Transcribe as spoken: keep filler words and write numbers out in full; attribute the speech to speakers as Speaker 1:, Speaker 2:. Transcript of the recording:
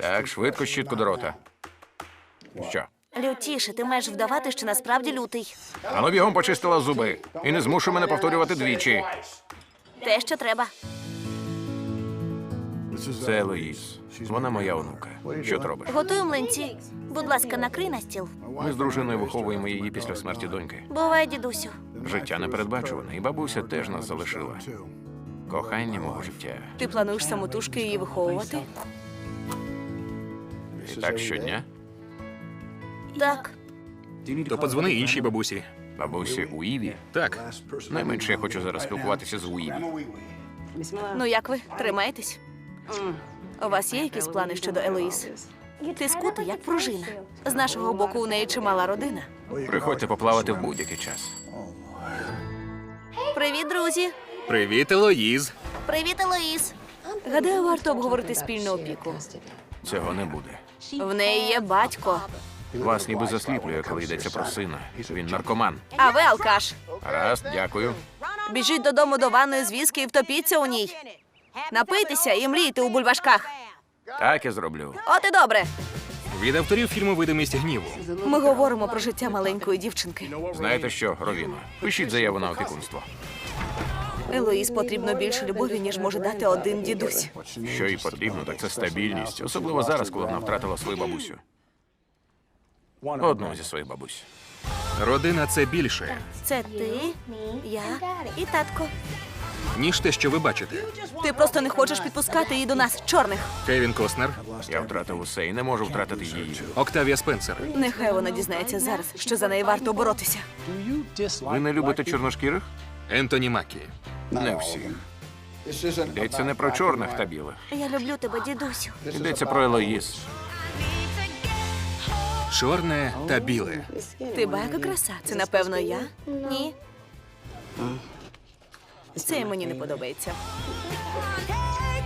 Speaker 1: Так, швидко щітку до рота. Що?
Speaker 2: Лютіше, ти маєш вдавати, що насправді лютий.
Speaker 1: Ану бігом почистила зуби. І не змушуй мене повторювати двічі.
Speaker 2: Те, що треба.
Speaker 1: Це Елоїз. Вона моя онука. Що ти робиш?
Speaker 2: Готую млинці. Будь ласка, накрий на стіл.
Speaker 1: Ми з дружиною виховуємо її після смерті доньки.
Speaker 2: Бувай, дідусю.
Speaker 1: Життя непередбачуване, і бабуся теж нас залишила. Кохання мого життя.
Speaker 2: Ти плануєш самотужки її виховувати?
Speaker 1: І так щодня?
Speaker 2: Так.
Speaker 3: То подзвони іншій бабусі.
Speaker 1: Бабусі у Іві?
Speaker 3: Так,
Speaker 1: Найменше я хочу зараз спілкуватися з Уіві.
Speaker 2: Ну як ви? Тримаєтесь? У вас є якісь плани щодо Елоїз? Ти скутий, як пружина. З нашого боку у неї чимала родина.
Speaker 1: Приходьте поплавати в будь-який час.
Speaker 2: Привіт, друзі!
Speaker 3: привіт, Елоїз.
Speaker 2: Привіт, Елоїз! Гадаю, варто обговорити спільну опіку.
Speaker 1: Цього не буде.
Speaker 2: В неї є батько,
Speaker 1: Вас ніби засліплює, коли йдеться про сина. Він наркоман.
Speaker 2: а ви алкаш.
Speaker 1: Раз, дякую.
Speaker 2: Біжіть додому до ванної з віскі і втопіться у ній. Напийтеся і мрійте у бульбашках.
Speaker 1: Так я зроблю.
Speaker 2: От і добре.
Speaker 3: Від авторів фільму «Видимість гніву».
Speaker 2: Ми говоримо про життя маленької дівчинки.
Speaker 1: Знаєте що, Ровіно? Пишіть заяву на опікунство.
Speaker 2: Елоїз потрібно більше любові, ніж може дати один дідусь.
Speaker 1: Що їй потрібно, так це стабільність. Особливо зараз, коли вона втратила свою бабусю. Одну зі своїх бабусь.
Speaker 3: Родина – це більше,
Speaker 2: Це ти, я і татко.
Speaker 3: ніж те, що ви бачите.
Speaker 2: Ти просто не хочеш підпускати її до нас, чорних.
Speaker 3: Кевін Костнер,
Speaker 1: Я втратив усе і не можу втратити її.
Speaker 3: Октавія Спенсер.
Speaker 2: Нехай вона дізнається зараз, що за неї варто боротися.
Speaker 1: Ви не любите чорношкірих?
Speaker 3: Ентоні Макі.
Speaker 1: Не всіх. Йдеться не про чорних та білих.
Speaker 2: Я люблю тебе, дідусю.
Speaker 1: Йдеться про Елоїз.
Speaker 3: Чорне та біле.
Speaker 2: Ти байка краса. Це, напевно, я? Ні. Це мені не подобається.